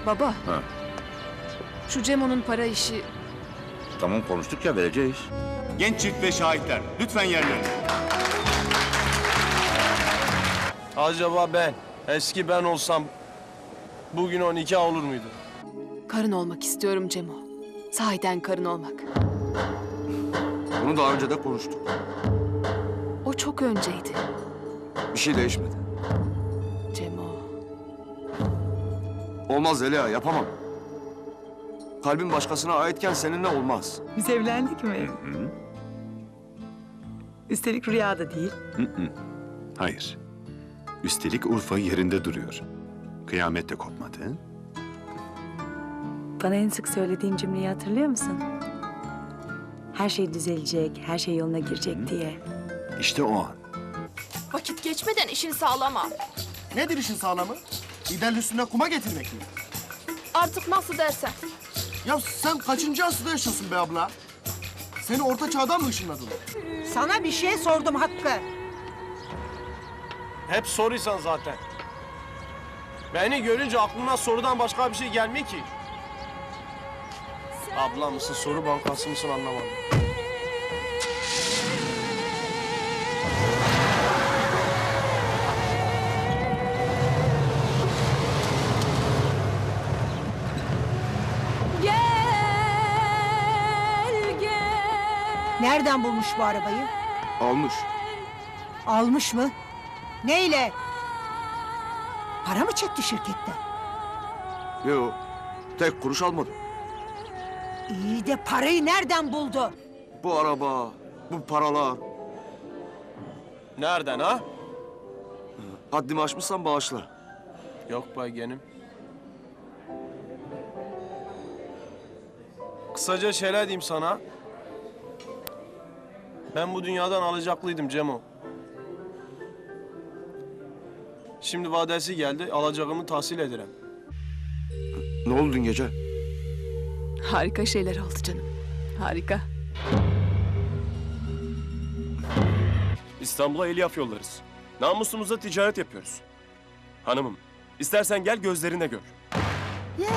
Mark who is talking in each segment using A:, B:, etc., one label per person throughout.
A: Baba,
B: Ha.
A: şu Cemo'nun para işi...
B: Tamam konuştuk ya, vereceğiz.
C: Genç çift ve şahitler, lütfen yerlerine.
D: Acaba ben, eski ben olsam bugün o nikah olur muydu?
A: Karın olmak istiyorum Cemo. Sahiden karın olmak.
E: Bunu daha önce de konuştuk.
A: O çok önceydi
E: Bir şey değişmedi.
A: Cemo.
E: Olmaz Zeliha, yapamam. Kalbin başkasına aitken seninle olmaz.
F: Biz evlendik mi? Üstelik rüyada değil.
G: Hayır. Üstelik Urfa yerinde duruyor. Kıyamet de kopmadı.
F: Bana en sık söylediğin cümleyi hatırlıyor musun? Her şey düzelecek, her şey yoluna girecek diye.
G: İşte o an.
H: Vakit geçmeden işini sağlama.
I: Nedir işin sağlamı? Liderin üstüne kuma getirmek mi?
H: Artık nasıl dersen.
I: Ya sen kaçıncı asırda yaşıyorsun be abla? Seni orta çağdan mı ışınladılar?
J: Sana bir şey sordum Hakkı.
D: Hep soruysan zaten. Beni görünce aklına sorudan başka bir şey gelmiyor ki. Abla mısın, soru bankası mısın anlamadım.
H: Gel gel.
J: Nereden bulmuş bu arabayı?
E: Almış.
J: Almış mı? Neyle? Para mı çekti şirketten?
E: Yok, tek kuruş almadım.
J: İyi de parayı nereden buldu?
E: Bu araba, bu paralar.
D: Nereden ha?
E: Haddimi aşmışsan bağışla.
D: Yok be yeğenim. Kısaca şöyle diyeyim sana. Ben bu dünyadan alacaklıydım Cemo. Şimdi vadesi geldi, alacağımı tahsil ederim.
E: Ne oldu dün gece?
A: Harika şeyler oldu canım. Harika.
K: İstanbul'a elyaf yollarız. Namusumuza ticaret yapıyoruz. Hanımım, istersen gel gözlerine gör.
J: Ya.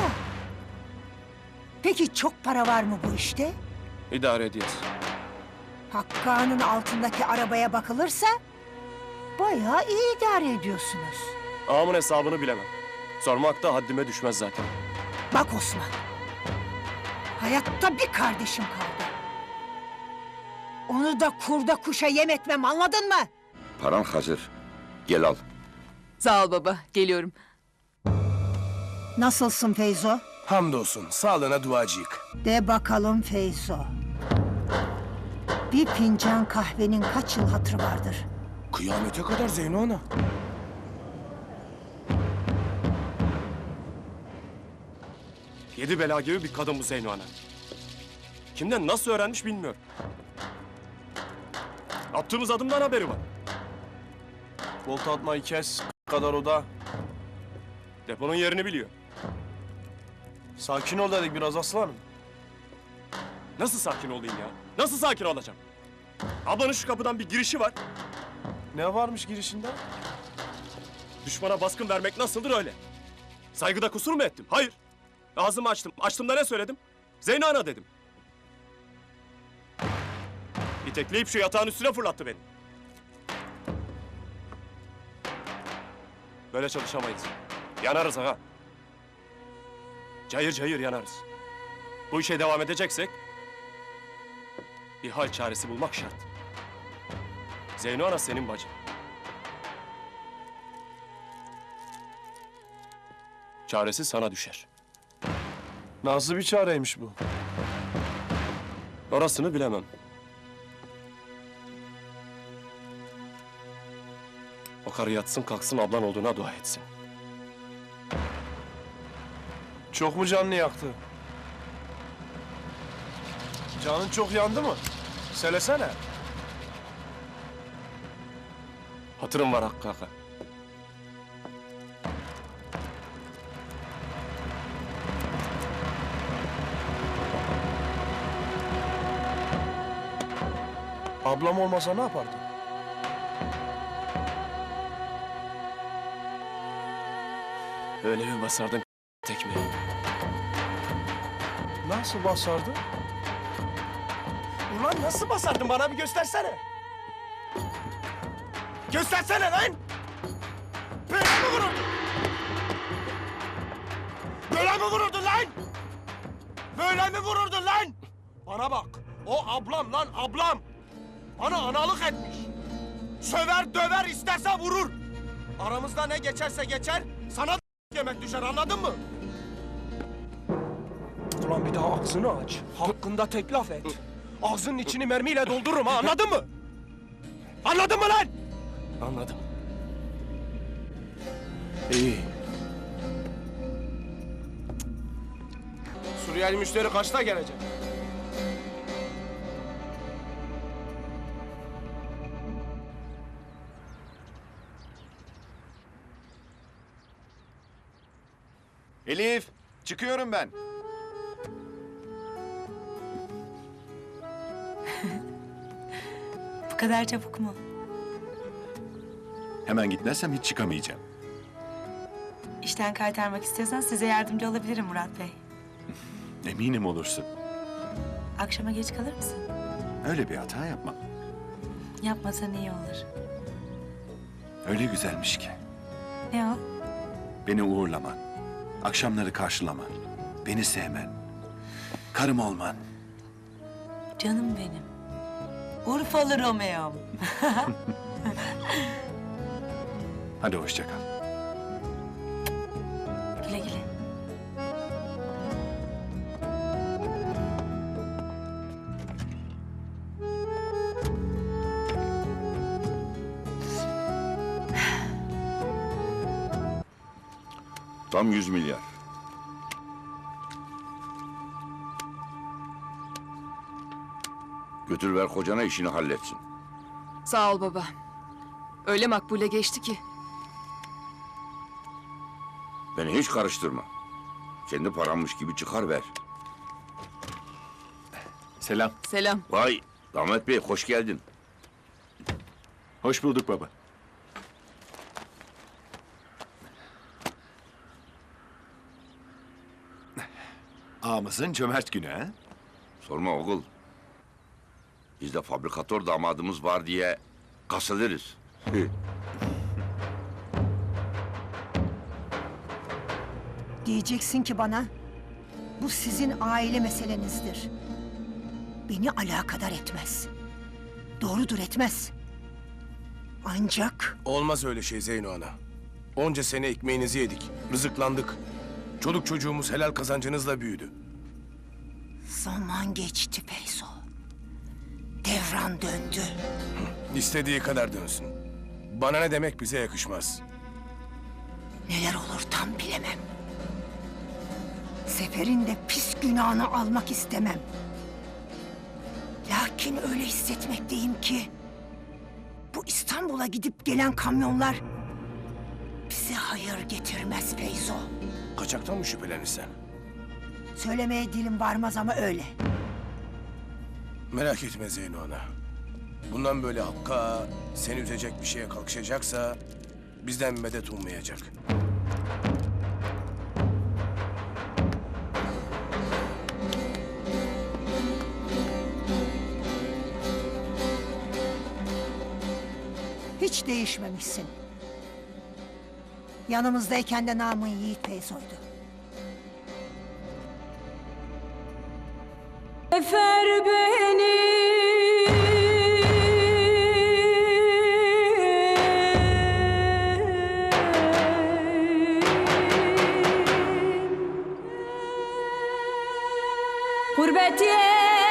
J: Peki çok para var mı bu işte?
K: İdare edeceğiz.
J: Hakkı Ağa'nın altındaki arabaya bakılırsa... ...bayağı iyi idare ediyorsunuz.
K: Ağamın hesabını bilemem. Sormak da haddime düşmez zaten.
J: Bak Osman. Hayatta bir kardeşim kaldı. Onu da kurda kuşa yem etmem, anladın mı?
B: Paran hazır. Gel al.
A: Sağ ol baba, geliyorum.
J: Nasılsın Feyzo?
D: Hamdolsun, sağlığına duacıyık.
J: De bakalım Feyzo. Bir fincan kahvenin kaç yıl hatırı vardır?
D: Kıyamete kadar Zeyno ana.
K: Yedi bela gibi bir kadın bu Zeyno Ana. Kimden nasıl öğrenmiş bilmiyorum. Attığımız adımdan haberi var.
D: Volta atmayı kes, kadar o da.
K: Deponun yerini biliyor.
D: Sakin ol dedik biraz aslanım.
K: Nasıl sakin olayım ya? Nasıl sakin olacağım? Ablanın şu kapıdan bir girişi var.
D: Ne varmış girişinde?
K: Düşmana baskın vermek nasıldır öyle? Saygıda kusur mu ettim? Hayır. Ağzımı açtım. Açtım da ne söyledim? Zeyno Ana dedim. İtekleyip şu yatağın üstüne fırlattı beni. Böyle çalışamayız. Yanarız ağa. Cayır cayır yanarız. Bu işe devam edeceksek... ...bir hal çaresi bulmak şart. Zeyno Ana senin bacın. Çaresi sana düşer.
D: Nasıl bir çareymiş bu?
K: Orasını bilemem. O karı yatsın kalksın ablan olduğuna dua etsin.
D: Çok mu canını yaktı? Canın çok yandı mı? Söylesene.
K: Hatırım var Hakkı Ağa.
D: Ablam olmasa ne yapardın?
K: Öyle bir basardın tekmeyi.
D: Nasıl basardı? Ulan nasıl basardın? Bana bir göstersene. Göstersene lan! Böyle mi vururdun? Böyle mi vururdun lan? Böyle mi vururdun lan? Bana bak. O ablam lan ablam. Bana analık etmiş. Söver döver isterse vurur. Aramızda ne geçerse geçer, sana da yemek düşer, anladın mı? Ulan bir daha ağzını aç. Hakkında tek laf et. Ağzının içini mermiyle doldururum ha, anladın mı? Anladın mı lan? Anladım. İyi. Suriyeli müşteri kaçta gelecek?
E: Elif, çıkıyorum ben.
F: Bu kadar çabuk mu?
G: Hemen gitmezsem hiç çıkamayacağım.
F: İşten kaytarmak istiyorsan size yardımcı olabilirim Murat Bey.
G: Eminim olursun.
F: Akşama geç kalır mısın?
G: Öyle bir hata yapmam.
F: Yapmasan iyi olur.
G: Öyle güzelmiş ki.
F: Ne o?
G: Beni uğurlaman, akşamları karşılaman, beni sevmen, karım olman.
F: Canım benim. Urfalı Romeo'm.
G: Hadi hoşça kal.
F: Güle güle.
B: Tam 100 milyar. Götür ver kocana işini halletsin.
A: Sağ ol baba. Öyle makbule geçti ki.
B: Beni hiç karıştırma. Kendi parammış gibi çıkar ver.
G: Selam.
A: Selam.
B: Vay Damat Bey hoş geldin.
G: Hoş bulduk baba. Ağamızın cömert günü ha?
B: Sorma oğul. Biz de fabrikatör damadımız var diye kasılırız.
J: Diyeceksin ki bana, bu sizin aile meselenizdir. Beni alakadar etmez. Doğrudur, etmez. Ancak
D: Olmaz öyle şey Zeyno ana. Onca sene ekmeğinizi yedik, rızıklandık. Çoluk çocuğumuz helal kazancınızla büyüdü.
J: zaman geçti Feyzo. Devran döndü.
D: İstediği kadar dönsün. Bana ne demek bize yakışmaz.
J: Neler olur tam bilemem. Sefer'in de pis günahını almak istemem. Lakin öyle hissetmekteyim ki... bu İstanbul'a gidip gelen kamyonlar... bize hayır getirmez Feyzo.
D: Kaçaktan mı şüphelenirsen?
J: Söylemeye dilim varmaz ama öyle.
D: Merak etme Zeyno ana. Bundan böyle Hakk'a seni üzecek bir şeye kalkışacaksa... bizden medet ummayacak.
J: Hiç değişmemişsin. Yanımızdayken de namın Yiğit Feyzo'ydu.
H: Efer beni. Gurbet